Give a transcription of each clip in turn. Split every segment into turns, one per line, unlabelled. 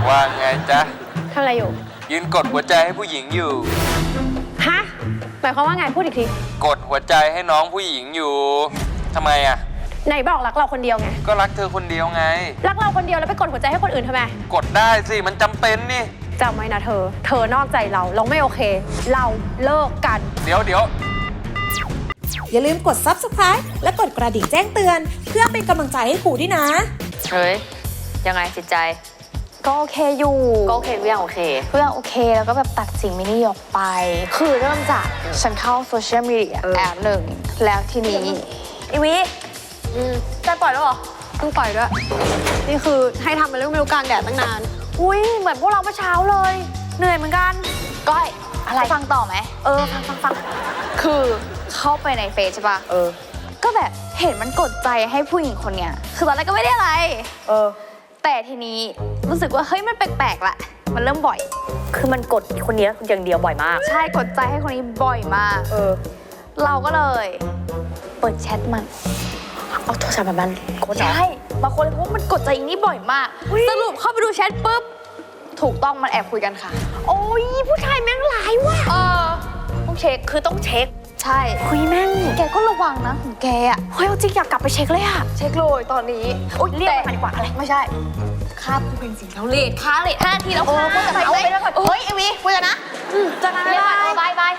ว่าไงจ๊ะ
ทำอะไรอยู่
ยืนกดหัวใจให้ผู้หญิงอยู่
ฮะหมายความว่าไงพูดอีกที
กดหัวใจให้น้องผู้หญิงอยู่ทำไมอ่ะ
ไหนบอกรักเราคนเดียวไง
ก็รักเธอคนเดียวไง
รักเราคนเดียวแล้วไปกดหัวใจให้คนอื่นทำไม
กดได้สิมันจำเป็นนี่
จำไว้นะเธอนอกใจเราไม่โอเคเราเลิกกัน
เดี๋ยว
อย่าลืมกด Subscribe และกดกระดิ่งแจ้งเตือนเพื่อเป็นกำลังใจให้ครูด้วยนะ
เฮ้ยยังไงจิตใจ
ก็โอเคอยู่
ก็โอเคทุกอย่างโอเค
ทุกอย่างโอเคแล้วก็แบบตัดสิ่งไม่ดีออกไปคือเริ่มจากฉันเข้าโซเชียลมีเดียแอปหนึ่งแล้วทีนี้อีวิใจปล่อยแล้วเหรอเพิ่งปล่อยด้วยนี่คือให้ทำมาเรื่องไม่รู้กลางแดดตั้งนานอุ้ยเหมือนพวกเราเมื่อเช้าเลยเหนื่อยเหมือนกันก้อยอะไรฟังต่อไหมฟังคือเข้าไปในเฟซใช่ป่ะก็แบบเห็นมันกดใจให้ผู้หญิงคนเนี้ยคือตอนแรกก็ไม่ได้อะไรแต่ทีนี้รู้สึกว่าเฮ้ยมันแปลกๆละมันเริ่มบ่อย
คือมันกดคนนี้อย่างเดียวบ่อยมาก
ใช่กดใจให้คนนี้บ่อยมากเราก็เลยเปิดแชทมัน
เอาโทรศัพท์มันกด
ใช่บางคนเลยเพราะมันกดใจอย่างนี้บ่อยมากสรุปเข้าไปดูแชทปุ๊บถูกต้องมันแอบคุยกันค่ะโอ้ยผู้ชายแม่งหลายว่ะ
ต้องเช็คคือต้องเช็ค
ใช่คุยแม่งแกก็ระวังนะของแกอ่ะเฮ้ยจริงอยากกลับไปเช็คเลยอ่ะเช็คเลยตอนนี้โอ๊ยเรียกมันดีกว่าอะไรไม่ใช่ค่าผู้เป็นสิ่งแล้วเลทค่าเลท5 นาทีแล้วค่ะก็จะเอาไปแล้วก่อนเฮ้ยไอวีคุยกันนะจะนานไม่ได้บาย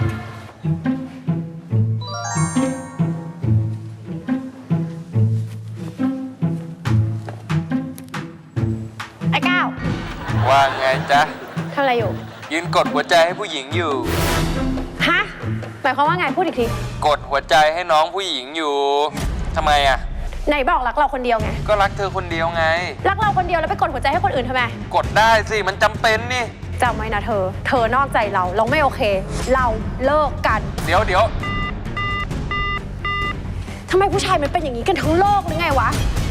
ไอ้ก้าว
ว่าไงจ๊ะ
ทำอะไรอยู่
ยืนกดหัวใจให้ผู้หญิงอยู่
ฮะหมายความว่าไงพูดอีกที
กดหัวใจให้น้องผู้หญิงอยู่ทำไมอ่ะ
ไหนบอกรักเราคนเดียวไง
ก็รักเธอคนเดียวไง
รักเราคนเดียวแล้วไปกดหัวใจให้คนอื่นทำไม
กดได้สิมันจำเป็นนี่
จำไว้นะเธอนอกใจเราไม่โอเคเราเลิกกัน
เดี๋ยว
ทำไมผู้ชายมันเป็นอย่างนี้กันทั้งโลกหรือไงวะ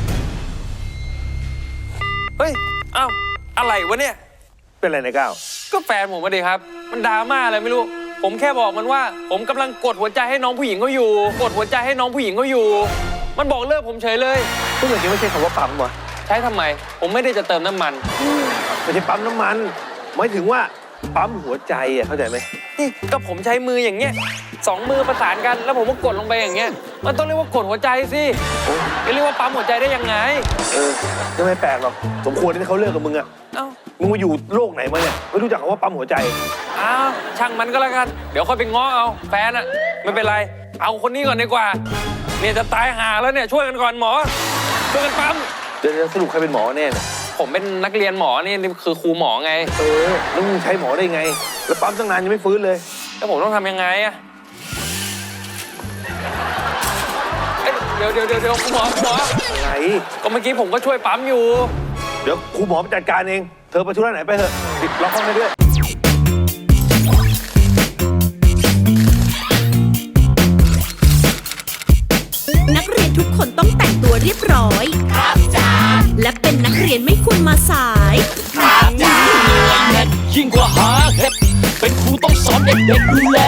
เฮ้ยอ้าวอะไรวะเนี่ย
เป็นอะไรนะก้าว
ก็แฟนผมมาดิครับมันดราม่าอะไรไม่รู้ผมแค่บอกมันว่าผมกำลังกดหัวใจให้น้องผู้หญิงเขาอยู่กดหัวใจให้น้องผู้หญิงเขาอยู่มันบอกเลิกผมเฉยเลย
ก็เหมือนที่ไม่ใช่คำว่าปั๊มวะ
ใช้ทำไมผมไม่ได้จะเติมน้ำมัน
ไม่ใช่ปั๊มน้ำมันหมายถึงว่าปั๊มหัวใจอ่ะเข้าใจไหม
นี่ก็ผมใช้มืออย่างเงี้ย2 มือประสานกันแล้วผมก็กดลงไปอย่างเงี้ยมันต้องเรียกว่ากดหัวใจสิจะเรียกว่าปั๊มหัวใจได้ยังไง
ก็ไม่แปลกหรอกสมควรที่เขาเลิกกับมึงอ่ะมึงมาอยู่โลกไหนมาเนี่ยไม่รู้จักคำว่าปั๊มหัวใจ
ช่างมันก็แล้วกันเดี๋ยวค่อยไปง้อเอาแฟนอะไม่เป็นไรเอาคนนี้ก่อนดีกว่าเนี่ยจะตายห่าแล้วเนี่ยช่วยกันก่อนหมอช่วยกันปั๊ม
จะสรุปใครเป็นหมอแน่เนี่ย
ผมเป็นนักเรียนหมอนี่คือครูหมอไง
แล้วมึงใช้หมอได้ไงแล้วปั๊มตั้งนานยังไม่ฟื้นเลย
แล้วผมต้องทำยังไงอะเดี๋ยวครูหมอ
ไง
ก็เมื่อกี้ผมก็ช่วยปั๊มอยู่
เดี๋ยวครูหมอไปจัดการเองเธอไปธุระไหนไปเถอะติดล็อกห้องให้ด้วย
นักเรียนทุกคนต้องแต่งตัวเรียบร้อยครับจ้าและเป็นนักเรียนไม่ควรมาสาย
ครับจ้ายิ่งกว่าหาเห็ดเป็นครูต้องสอนเด็กๆดูแล